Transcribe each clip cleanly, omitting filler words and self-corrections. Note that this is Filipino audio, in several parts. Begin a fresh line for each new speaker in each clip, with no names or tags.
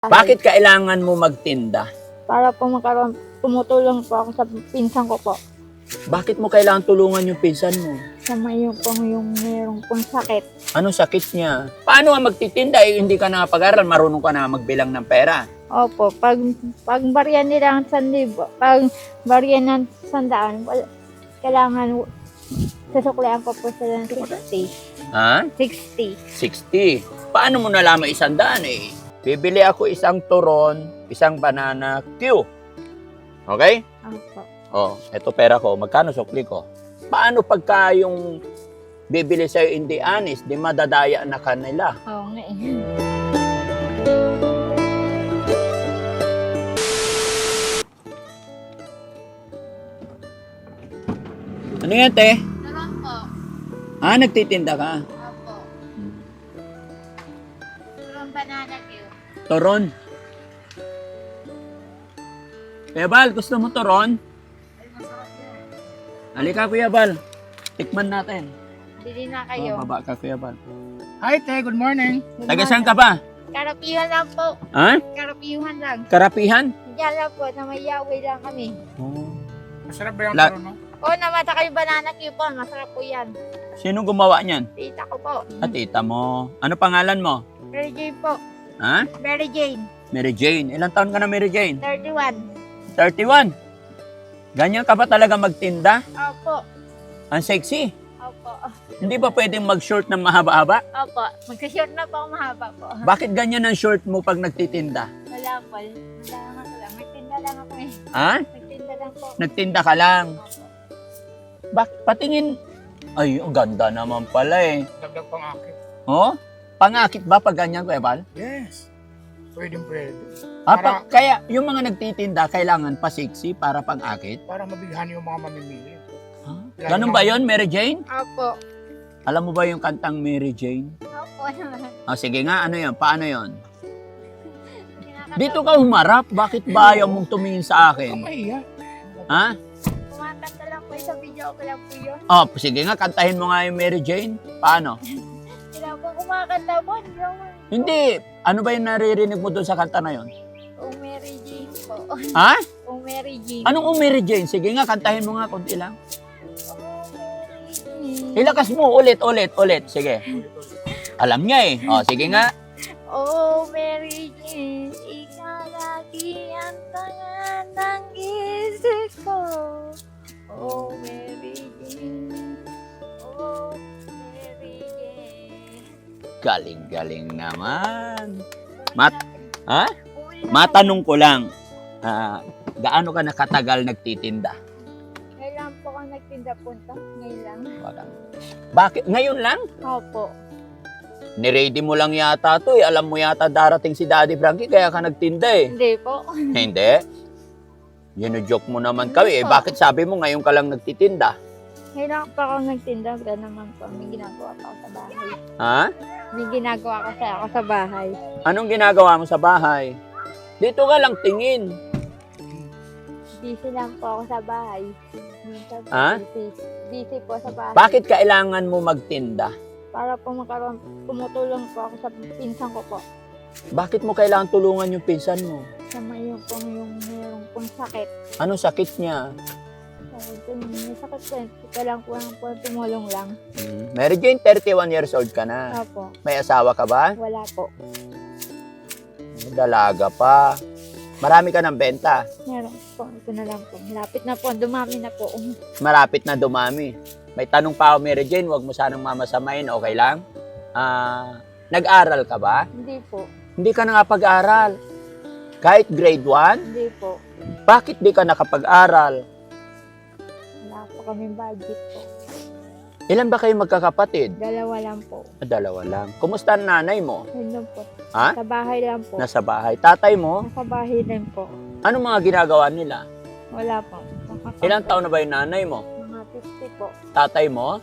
Bakit kailangan mo magtinda?
Para po tumutulong po ako sa pinsan ko po.
Bakit mo kailangan tulungan yung pinsan mo?
Sa may yung mayroong pong sakit.
Anong sakit niya? Paano nga magtitinda hindi ka nakapag-aral, marunong ka na magbilang ng pera?
Opo, pag barya nila ang 1,000, pag barya ng 100, kailangan susuklian ko po sila ng 60.
Ha?
60.
60. Paano mo nalaman 100 eh? Bibili ako isang turon, isang banana Q. Okay?
Opo.
Oh, eto pera ko. Magkano sukli ko? Paano pagka yung bibili sa'yo hindi honest, di madadaya na kanila?
Oo nga eh.
Ano yan, te?
Nalang po.
Ah, nagtitinda ka?
Opo. From banana cue.
Turon. Kuya Bal, gusto mo turon?
Ay, masarap yan.
Halika, Kuya Bal. Tikman natin.
Bili na kayo.
Oh, baba ka, Kuya Bal.
Hi, te. Good morning.
Taga saan ka ba?
Karapihan lang po.
Ha?
Karapihan lang.
Karapihan?
Diyan lang po, na may yawi lang kami.
Oh.
Masarap ba yung
La-
turon, no?
Oo naman, saka yung banana cue po. Masarap po yan.
Sino gumawa niyan?
Tita ko po.
At tita mo. Ano pangalan mo?
Mary Jane po.
Ha?
Mary Jane.
Mary Jane. Ilang taon ka na, Mary Jane?
31.
31. Ganyan ka ba talaga magtinda?
Opo.
Ang sexy.
Opo.
Hindi ba pwedeng mag-short ng mahaba-haba?
Opo. Magka-short na po ako mahaba po.
Bakit ganyan ang short mo pag nagtitinda?
Wala po. Wala nga ko lang. Magtinda lang ako eh.
Ha?
Magtinda lang po.
Nagtinda ka lang.
Opo.
Patingin. Ay, ang ganda naman pala eh.
Dagdag pang akit.
Oh? Pangakit ba pag ganyan, Kuya Bal?
Yes. Pwedeng pwede.
Ah,
Para-
kaya yung mga nagtitinda, kailangan pa sexy para pang-akit?
Para mabighan yung mga mamimili.
Ha? Ganun ba yon, Mary Jane?
Opo.
Alam mo ba yung kantang Mary Jane?
Opo naman.
Oh, sige nga, ano yon? Paano yon?
Kinakatawa.
Dito ka humarap, bakit ba ayaw mong tumingin sa akin?
Okay,
Ha?
Kumakanta lang po sa video ko lang po yun.
Oh, sige nga, kantahin mo nga yung Mary Jane. Paano?
Sila po kumakanta po. Hindi naman.
Hindi. Ano ba yung naririnig mo doon sa kanta na yon?
Oh, Mary Jane po.
Ha?
Oh, Mary Jane.
Anong Mary Jane? Sige nga, kantahin mo nga konti lang.
Oh, Mary Jane.
Ilakas mo, ulit. Sige. Alam niya eh. Oh, sige nga.
Oh, Mary Jane, ikaw lagi ang tangan ng isip ko. Oh, Mary Jane, oh, Mary Jane.
Galing-galing naman. Ha? Matanong ko lang, gaano ka nakatagal nagtitinda?
Ngayon lang po ako nagtinda punta. Ngayon lang.
Wala. Bakit? Ngayon lang?
Opo.
Niready mo lang yata to eh. Alam mo yata darating si Daddy Frankie kaya ka nagtinda eh.
Hindi po.
Hindi. Yun-joke mo naman kami eh. Bakit sabi mo ngayon ka lang nagtitinda?
Ngayon lang po ako nagtinda. Wala naman po. May ginagawa pa ako sa bahay.
Ha?
May ginagawa ako sa bahay.
Anong ginagawa mo sa bahay? Dito ka lang tingin.
Busy lang po ako sa bahay. Minsan
Ha?
busy po sa bahay.
Bakit kailangan mo magtinda?
Para po tumutulong po ako sa pinsan ko po.
Bakit mo kailangan tulungan yung pinsan mo?
Sa may yung mayroong pong sakit.
Anong sakit niya?
Sabi ko, may sakit po. Kailangan po lang po tumulong lang.
Mary Jane, 31 years old ka na.
Opo.
May asawa ka ba?
Wala po.
Dalaga pa. Marami ka ng benta.
Meron po. Ito na lang po. Lapit na po. Dumami na po.
Marapit na dumami. May tanong pa ako, Mary Jane, huwag mo sanang mamasamain, okay lang? Nag-aral ka ba?
Hindi po.
Hindi ka na pag-aral. Kahit grade 1?
Hindi po.
Bakit di ka nakapag-aral?
Wala po kaming budget po.
Ilan ba kayo magkakapatid?
Dalawa lang po.
Dalawa lang. Kumusta ang nanay mo?
Yun lang po.
Ha?
Sa bahay lang po.
Nasa bahay. Tatay mo?
Nasa bahay din po.
Anong mga ginagawa nila?
Wala po.
Ilang taon na ba yung nanay mo?
Mga 50 po.
Tatay mo?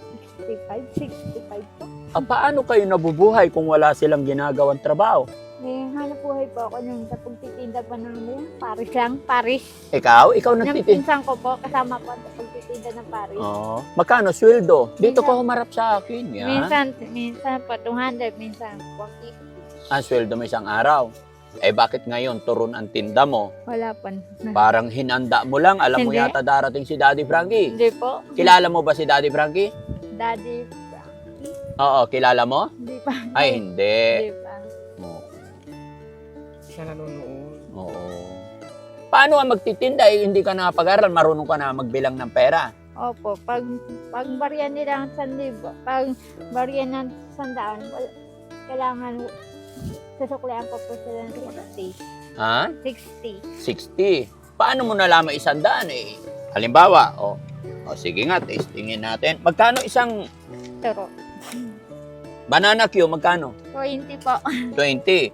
65 po.
Paano kayo nabubuhay kung wala silang ginagawang trabaho?
May hanap buhay po ako nung sa pagtitinda pa ng Paris lang. Paris.
Ikaw? Ikaw
Yung
nagtitinda?
pinsan ko po, kasama po sa pagtitinda ng Paris.
Oo. Magkano sweldo? Dito
Minsan-
ka humarap sa akin. Yan.
Minsan po 200, minsan 150.
Ang sweldo mo isang araw. Eh bakit ngayon turon ang tinda mo?
Wala pa.
Parang hinanda mo lang. Alam mo
Hindi.
yata darating si Daddy Frankie.
Hindi po.
Kilala mo ba si Daddy Frankie?
Daddy.
Oo, kilala mo?
Hindi pa.
Ay, hindi.
Hindi pa.
Oo.
Siya nanonood.
Oo. Paano ka magtitinda? Eh, hindi ka nakapag-aral, marunong ka na magbilang ng pera.
Opo, pag barya nila ng 1,000, pag barya ng 100, kailangan susuklian ko po sila ng 60.
Ha?
60.
60. Paano mo nalaman 100 eh? Halimbawa, sige nga, testingin natin. Magkano isang
Turo.
banana Q? Magkano?
20 po.
20.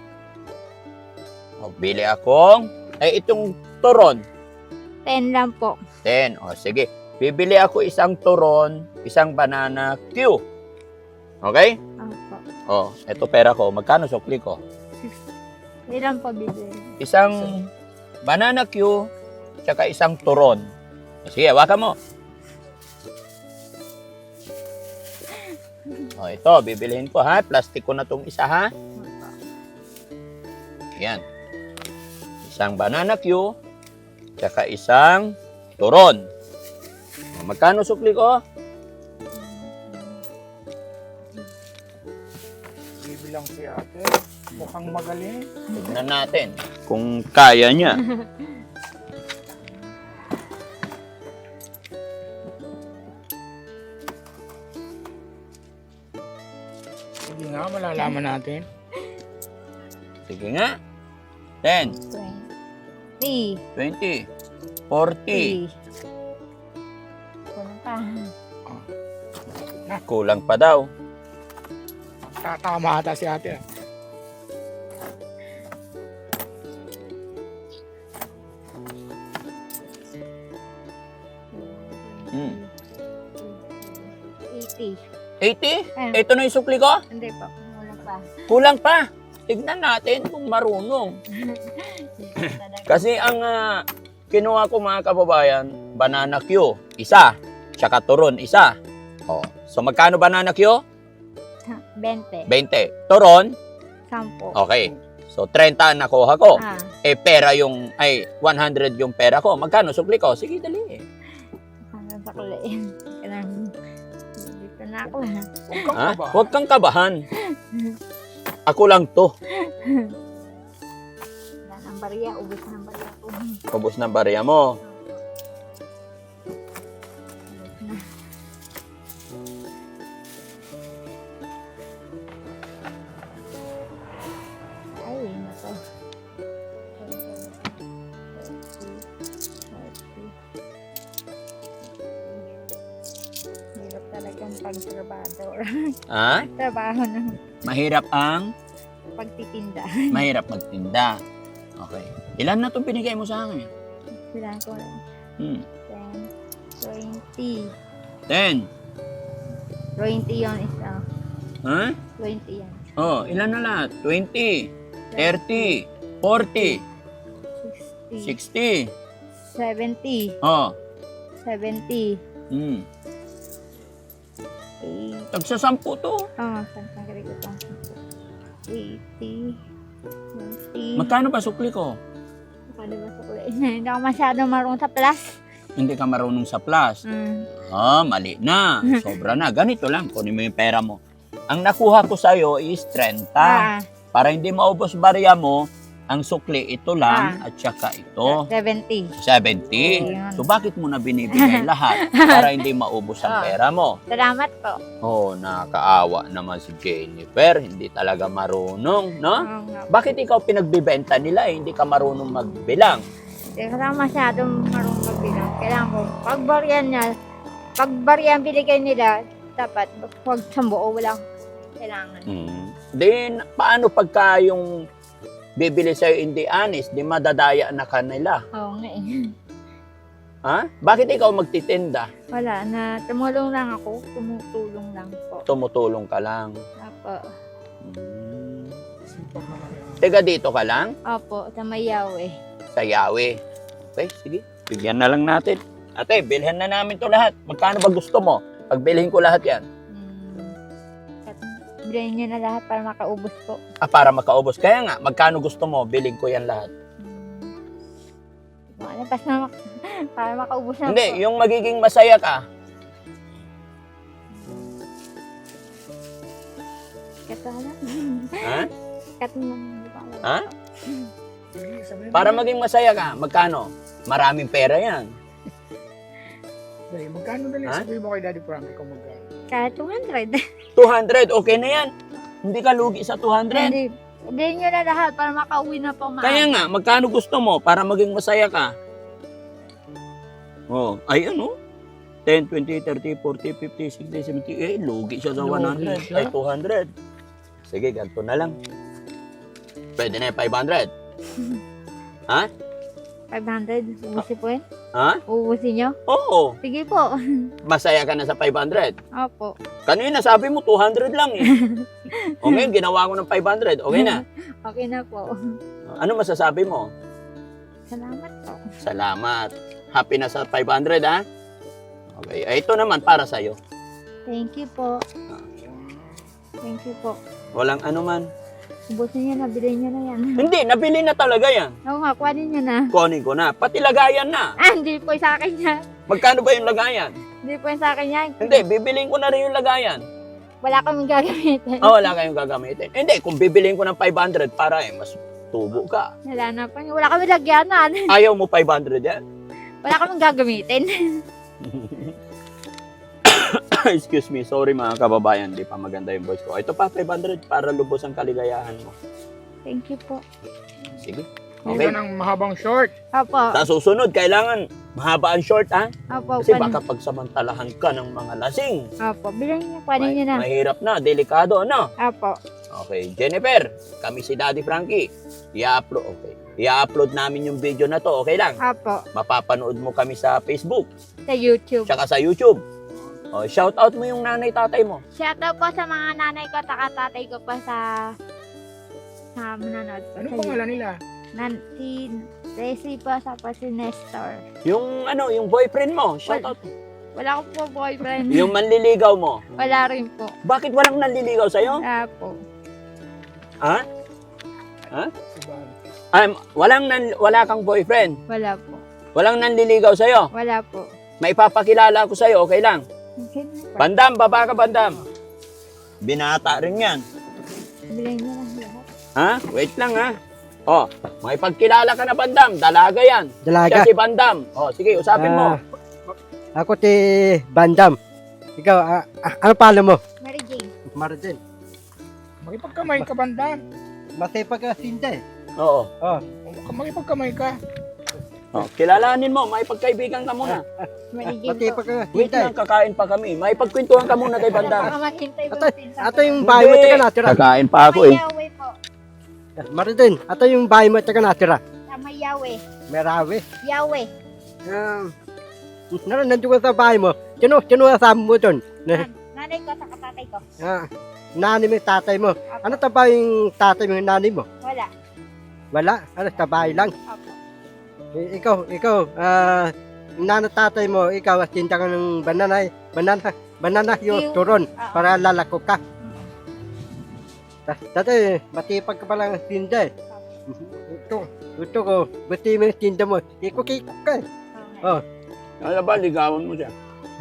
Bili akong, itong turon,
10 lang po.
10. Sige. Bibili ako isang turon, isang banana Q. Okay?
Opo.
Ito pera ko. Magkano sukli ko?
Ilan po bibili?
Isang banana Q, tsaka isang turon. Sige, hawakan mo. Ito, bibilihin ko ha. Plastic ko na tong isa ha. Yan. Isang banana Q, tsaka isang turon. Magkano sukli ko?
Bibilang si ate. Mukhang magaling.
Tignan natin kung kaya niya.
Sige nga, malalaman natin.
Sige nga. 10,
20.
20, 40.
Kulang pa.
Kulang pa daw.
Tatama ata si ate.
Hmm.
80.
80? Ito na yung sukli ko?
Hindi pa. Kulang pa.
Kulang pa. Tignan natin kung marunong. Kasi ang kinuha ko mga kababayan, banana Q, isa. Tsaka turon, isa. So magkano banana Q?
20.
20. Turon?
10.
Okay. So 30 ang nakuha ko.
Ah.
Pera yung, 100 yung pera ko. Magkano sukli ko? Sige, dali.
Hanggang sa kuliin. Kailangan. Dito na ako.
Huwag kang
Ha?
kabahan.
Huwag kang kabahan. Ako lang to.
Wala ng barya. Ubus ng barya ko.
Ubus ng barya mo.
Ay, nako. Hirap talagang pagtrabador.
Ha?
Trabaho ng
Mahirap ang
pagtitinda.
mahirap magtinda. Okay. Ilan na itong binigay mo sa akin?
Kailangan ko lang. 10, 20.
10.
20 yun isa.
Ha?
20 yan.
Ilan na lahat? 20, 30, 40,
60.
60.
70. 70.
8.
8.
Tagsa-10 to.
Saan ko ito? 80. 20.
Magkano ba sukli ko?
Ano ba sa kulay? Hindi ako masyadong marunong sa plus.
Hindi ka marunong sa plus. Mali na. Sobra na. Ganito lang. Kunin mo yung pera mo. Ang nakuha ko sa'yo is 30. Para hindi maubos barya mo, ang sukli ito lang at saka ito.
70.
70. So bakit mo na binibigay lahat para hindi maubos ang pera mo?
Salamat po.
Nakakaawa naman si Jennifer. Hindi talaga marunong, no? Bakit ikaw pinagbibenta nila hindi ka marunong magbilang?
Hindi ko lang masyadong marunong magbilang. Kailangan ko, pag baryan binigay nila, dapat huwag sa buo, walang kailangan.
Then, paano pagka yung bibili sa'yo hindi honest, di madadaya na kanila?
Oo nga eh.
Ha? Bakit ikaw magtitinda?
Wala na, tumulong lang ako, tumutulong lang po.
Tumutulong ka lang.
Opo.
Sipag naman yan.
Teka, dito ka lang?
Opo, sa Mayaw eh.
Sa Yawe. Okay, sige. Bigyan na lang natin. Ate, bilhin na namin to lahat. Magkano ba gusto mo? Pagbilhin ko lahat yan.
Bilhin niyo na lahat para makaubos po.
Para makaubos. Kaya nga, magkano gusto mo? Biling ko yan lahat.
Malapas na para makaubos na
Hindi,
po.
yung magiging masaya ka.
Katala.
Ha?
Katala.
Ha?
Sige, sabihin mo.
Para maging masaya ka, magkano? Maraming pera yan.
Dali, magkano dali?
Ha?
Sabihin mo kay Daddy Frankie kung magkano.
Kahit 200.
200, okay na yan. Hindi ka lugi sa 200.
Hindi. Bilhin niyo na lahat para makauwi na po.
Kaya nga, magkano gusto mo para maging masaya ka? Oh, ay ano? 10, 20, 30, 40, 50, 60, 70. Lugi siya sa 100.
Lugi siya.
Ay, 200. Sige, ganito na lang. Pwede na yung 500. Ha?
500. Ubusin po yun.
Ha?
Ubusin niyo.
Oo.
Sige po.
Masaya ka na sa 500.
Opo.
Kanina sabi mo 200 lang eh. O ngayon, ginawa ko ng 500. Okay na.
Okay na po.
Ano masasabi mo?
Salamat po.
Salamat. Happy na sa 500 ha? Okay. Ay, ito naman para sa'yo.
Thank you po. Thank you po.
Walang ano man.
Ubusin niyo na. Bilhin niyo na yan.
Hindi, nabili na talaga yan.
Oo nga, kuhanin niyo na.
Kunin ko na. Pati lagayan na.
Hindi po sa akin yan.
Magkano ba yung lagayan?
Hindi po sa akin yan.
Hindi, bibiliin ko na rin yung lagayan.
Wala kaming gagamitin.
Wala kayong gagamitin. Hindi, kung bibiliin ko ng 500 para mas tubo ka.
Wala na po. Wala kaming lagyanan.
Ayaw mo 500 yan?
Wala kaming gagamitin.
Excuse me, sorry mga kababayan, di pa maganda yung voice ko. Ito pa, 500 para lubos ang kaligayahan mo.
Thank you po.
Sige.
Okay.
Okay.
Ng mahabang short.
Opo.
Sa susunod, kailangan mahaba ang short, ha?
Opo.
Kasi baka pagsamantalahan ka ng mga lasing.
Opo. Bilhin niyo. Kuhanin niyo na.
Mahirap na, delikado, ano?
Opo.
Okay, Jennifer, kami si Daddy Frankie. I-upload namin yung video na to, okay lang?
Opo.
Mapapanood mo kami sa Facebook,
Sa YouTube.
tsaka sa YouTube. Oh, shout out mo yung nanay tatay mo.
Shoutout po sa mga nanay ko, tatay ko pa sa manonood po.
Ano
sa
pangalan nila?
Si Tracy po, sa po si Nestor.
Yung ano, yung boyfriend mo, shout out.
Wala ko po boyfriend.
Yung manliligaw mo.
Wala rin po.
Bakit walang nanliligaw sa'yo?
Wala po.
Ha?
Si Bal.
Wala kang boyfriend.
Wala po.
Walang nanliligaw sa'yo.
Wala po.
Maipapakilala ko sa'yo, okay lang?
Okay na po.
Bandam, baba ka bandam. Binata rin yan.
Bilhin niyo lang lahat.
Ha? Wait lang ha. Oh, maipagkilala ka na bandam. Dalaga yan.
Dalaga.
Siya si bandam. Oh, sige, usapin mo.
Ako ti Bandam. Ikaw, ano pala mo?
Mary Jane.
Martin.
Makipagkamay ka, banda.
Masipag ka sinda eh.
Oo.
Oh,
Makipagkamay ka.
Oh, kilalanin mo, maipagkaibigan ka muna.
Mary Jane po.
masipag ka
Wait
sinda eh.
lang, kakain pa kami. Maipagkwentuhan ka muna kay bandam.
Baka maghintay po.
Ato yung bahay mo taga natira.
Kakain pa ako eh.
Mayawe po.
Martin, ato yung bahay mo taga natira.
Sa Mayawe.
Merawi.
Yawe.
Nandun ka sa bahay mo. Sino kasama mo doon?
Nanay ko sa katatay ko.
Nani mo yung tatay mo. Ano ba yung tatay mo yung nani mo?
Wala.
Wala. Ano, sa bahay lang.
Opo.
Ikaw, nana tatay mo, ikaw, tinda ka ng banana yung turon para lalako ka. Dati, matipag ka palang tinda eh. Ito ko, bati mo yung tinda mo, ikok-ikok ka eh. Oh.
Alam ba, ligawan mo siya.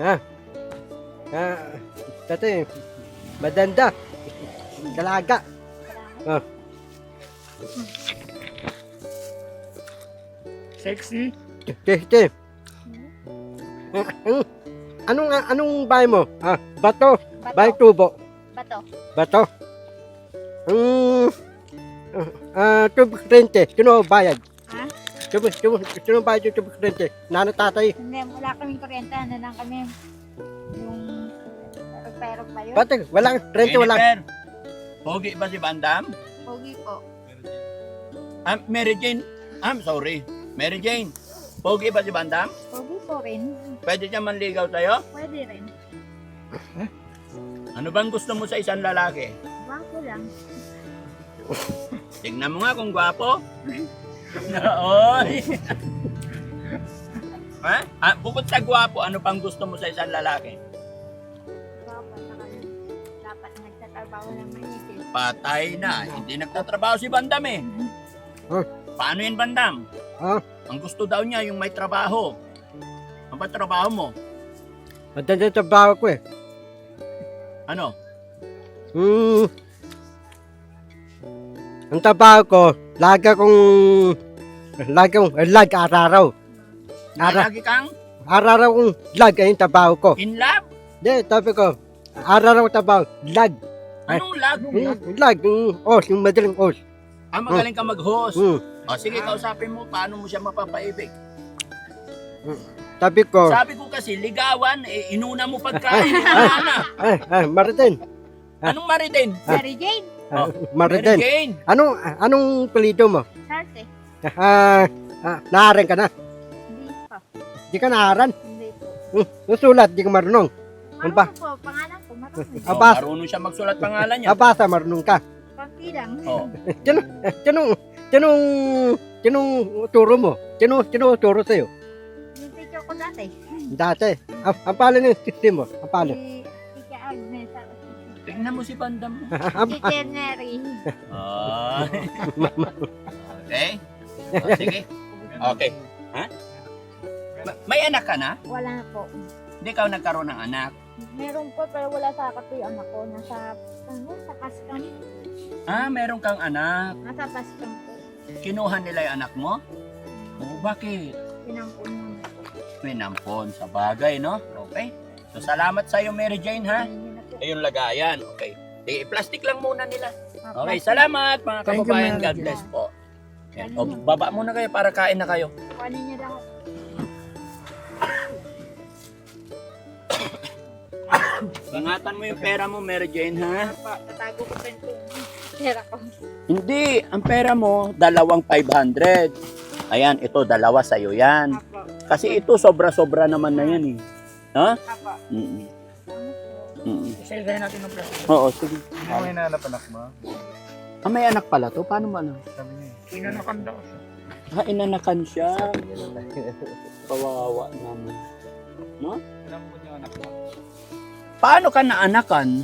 Dati, madanda, dalaga.
Sexy.
Tete. Anong bahay mo? Bato, bahay tubo.
Bato.
Bato. Tubo rente, sino bayad?
Ha?
Sino bayad yung tubo rente? Nana tatay.
Hindi, wala kaming kuryente. Ano lang kami. Yung perok ba yun?
Bato, walang rente, walang.
Jennifer, pogi ba si bandam?
Pogi po.
Mary Jane. I'm sorry. Mary Jane, pogi ba si bandam?
Pogi po rin.
Pwede siya manligaw sa'yo?
Pwede rin.
Ano bang gusto mo sa isang lalaki?
Bako lang.
Tignan mo nga kung gwapo. Oy. Ha? Bukod sa gwapo, ano pang gusto mo sa isang lalaki?
Bako. Dapat nagtatrabaho trabaho ng maisip.
Patay na. Hindi nagtatrabaho si Bandam eh.
Oh.
Paano yun, Bandam?
Oh.
Ang gusto daw niya yung may trabaho. Ano ba trabaho mo?
Matanda sa trabaho ko eh.
Ano?
Ang trabaho ko, lagi araw-araw.
Lagi kang
Araw-araw kong lag ay yung trabaho ko.
in love?
Hindi, sabi ko, araw-araw trabaho, lag.
Anong lag?
Lag, yung madaling os.
Magaling ka mag-host.
Mm.
O sige, kausapin mo paano mo siya mapapaibig.
Sabi ko,
Sabi ko kasi, ligawan, inuna mo pagkain. Wala na.
Martin.
Anong Maritin?
Mary Jane,
Oh, Mary
Martin.
Jane.
Anong palido mo?
Sarte.
Naaran ka na.
Hindi pa.
Di ka naaran.
Hindi po.
Nusulat, di ka marunong. Ba?
Marunong po, pangalan ko, marunong.
Oh,
Abas.
marunong siya magsulat pangalan niya.
Abasa, marunong ka.
Konti lang.
Oh.
Tinong turo mo? Tinong turo sa'yo?
Yung teacher ko dati.
Dati. Ang pala ng system mo? Ang pala?
Si Tika Agnes.
Tingnan mo si Bandam.
Teacher Mary.
Ah. Okay. O, sige. Okay. Ha? May anak ka na?
Wala na po.
Hindi ka nagkaroon ng anak.
Meron po pero wala sa kape yung anak ko. Nasa Paskam.
Meron kang anak.
Nasa Paskam po.
Kinuha nila yung anak mo? Bakit?
Pinampun mo na po.
Pinampon sa bagay, no? Okay. So, salamat sa'yo, Mary Jane, ha?
Ayun na po.
Ayun, lagayan. Okay. Plastic lang muna nila.
Ah,
Okay,
plastic.
salamat mga
Thank you,
kababayan.
Mary
God
Jane.
bless po. Yan. O, baba muna kayo para kain na kayo.
Kuhanin niyo lang ako.
Ingatan mo yung pera mo, Mary Jane, ha?
Tatago ko pa yung pera ko.
Hindi, ang pera mo, 2,500. Ayan, ito, dalawa sa'yo yan.
Apo.
Kasi ito, sobra-sobra naman na yan, eh. Ha?
Apo.
Mm-mm.
Ano po?
Mm-mm.
Isa-isahin natin ng plastic.
Oo, sige.
Hindi mo hinahanap anak mo.
May anak pala to? Paano mo alam?
Sabi niya, inanakan daw siya.
Inanakan siya. Kawawa naman. No?
Alam mo yung anak mo.
Paano ka naanakan?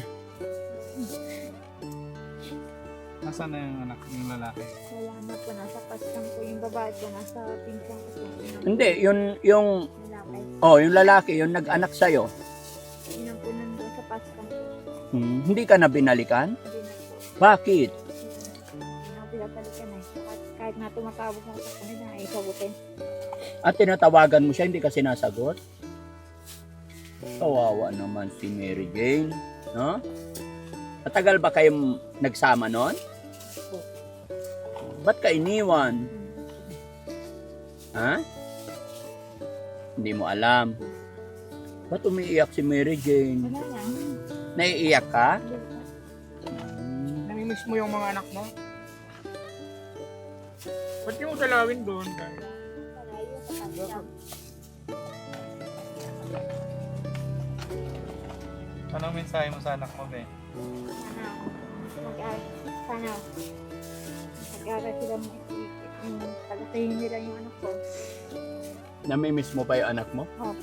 Nasaan na yung anak, yung lalaki?
Wala na po. Nasa Paskam po. Yung babae po. Nasa pinsang ko po.
Hindi, yung
Lalaki.
yung lalaki, yung nag-anak sa'yo.
Pinampunan doon sa Paskam po.
Hindi ka na binalikan?
Hindi na po.
Bakit?
Hindi na pinapalikan eh. Kahit na tumatawag ako sa kanila, ay sagutin.
At tinatawagan mo siya, hindi ka sinasagot? Kawawa naman si Mary Jane, no? Matagal ba kayong nagsama noon? Ba't ka iniwan? Ha? Hindi mo alam. Ba't umiiyak si Mary Jane?
Wala lang.
Naiiyak ka?
Namimiss mo yung mga anak mo? Ba't yung dalawin doon?
Malayo sa Paskam.
Anong mensahe mo sa anak mo, be?
Sana mag-aral sila pagkatayin nila yung anak ko.
Namimiss mo pa yung anak mo?
Opo.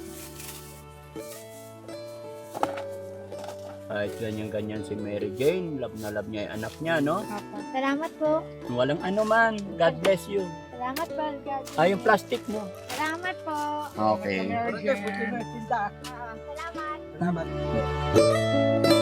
Kahit ganyan-ganyan si Mary Jane, love na love niya yung anak niya, no?
Opo. Salamat po.
Walang ano man. God bless you.
Salamat po. God.
Yung plastic mo.
Salamat po.
Okay.
Salamat.
Salamat.